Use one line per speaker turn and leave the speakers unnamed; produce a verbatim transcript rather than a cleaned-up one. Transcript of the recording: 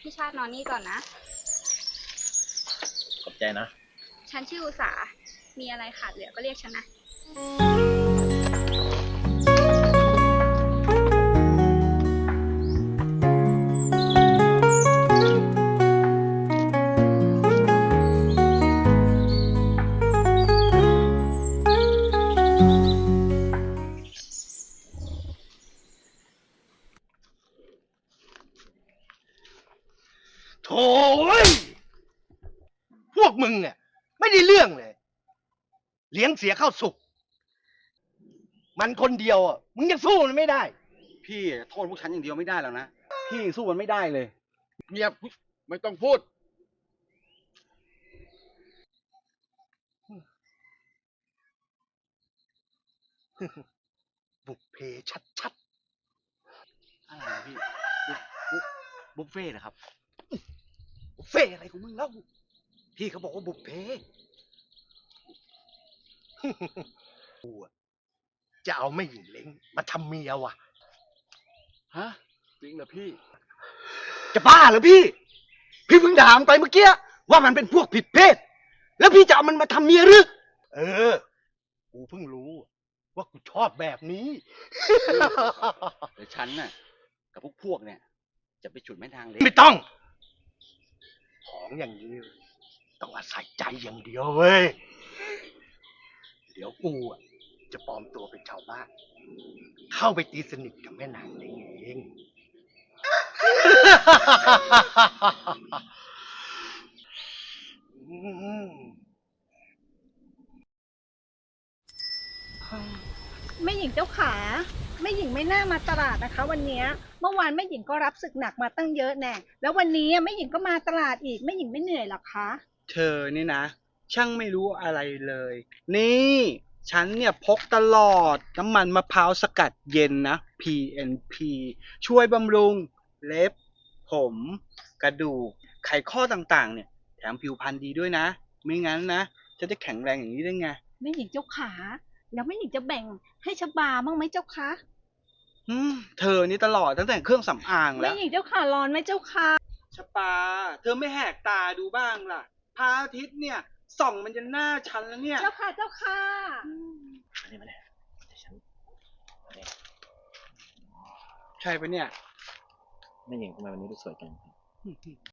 พี่ชาตินอนนี่ก่อนนะ
ขอบใจนะ
ฉันชื่ออุษา มีอะไรขาดเหลือก็เรียกฉันนะ
โถ่เว้ยพวกมึงเนี่ยไม่ได้เรื่องเลย เลี้ยงเสียเข้าสุก มันคนเดียวอ่ะ มึงยังสู้มันไม่ได้
พี่โทษพวกฉันอย่างเดียวไม่ได้แล้วนะ พี่ยังสู้มันไม่ได้เลย
เงียบไม่ต้องพูด
บุกเพชัด
อะไรนะพี่ บุฟบุฟบุฟเฟ่ต์เหรอครับ
ๆบุฟเฟ่อะไรของมึงเล่าพี่เขาบอกว่าบุกเพ กูอะจะเอาไม่หญิงเล้งมาทำเมียว่ะ
ฮะ จริงเหรอพี่
จะบ้าเหรอพี่ พี่เพิ่งด่ามันไปเมื่อกี้ว่ามันเป็นพวกผิดเพศ แล้วพี่จะเอามันมาทำเมียหรือ เออ กูเพิ่งรู้ ว่ากูชอบแบบนี้
เดี๋ยวฉันน่ะ กับพวกพวกเนี่ย จะไปฉุดแม่นางเล็ก
ไม่ต้อง ของอย่างนี้ต้องอาศัยใจอย่างเดียวเว้ย เดี๋ยวกูอะจะปลอมตัวเป็นชาวบ้าน เข้าไปตีสนิทกับแม่นางเล้งเอง อืม
แม่หญิงเจ้าขาแม่หญิงไม่น่ามาตลาดนะคะ วันเนี้ยเมื่อวานแม่หญิงก็รับศึกหนักมาตั้งเยอะแน่แล้ววันนี้แม่หญิงก็มาตลาดอีกแม่หญิงไม่เหนื่อยหรอคะ
เธอนี่นะ ช่างไม่รู้อะไรเลย นี่ ฉันเนี่ยพกตลอดน้ำมันมะพร้าวสกัดเย็นนะ พี เอ็น พี ช่วยบำรุง เล็บ ผม กระดูก ไขข้อต่างๆ เนี่ย แถมผิวพรรณดีด้วยนะ ไม่งั้นนะจะจะแข็งแรงอย่างนี้ได้ไง
แม่หญิงเจ้าขาแล้วแม่หญิงจะแบ่งให้ชบาบ้างไหมเจ้าคะ
อืมเธอนี่ตลอดตั้งแต่เครื่องสำอางแล้
แม่
ว
หญิงเจ้าขาร้อนไหมเจ้าคะ
ชปา เธอไม่แหกตาดูบ้างล่ะพระอาทิตย์เนี่ยส่องมันจะหน้าฉันแล้วเนี่ย
เจ้าค่ะเจ้าค่ะ
มาเนี่ยมาเนี่ยเดี๋ยวฉันมาเนี่ย
ใช่ปะเนี่ย
แม่หญิงทำไมวันนี้ดูสวยจัง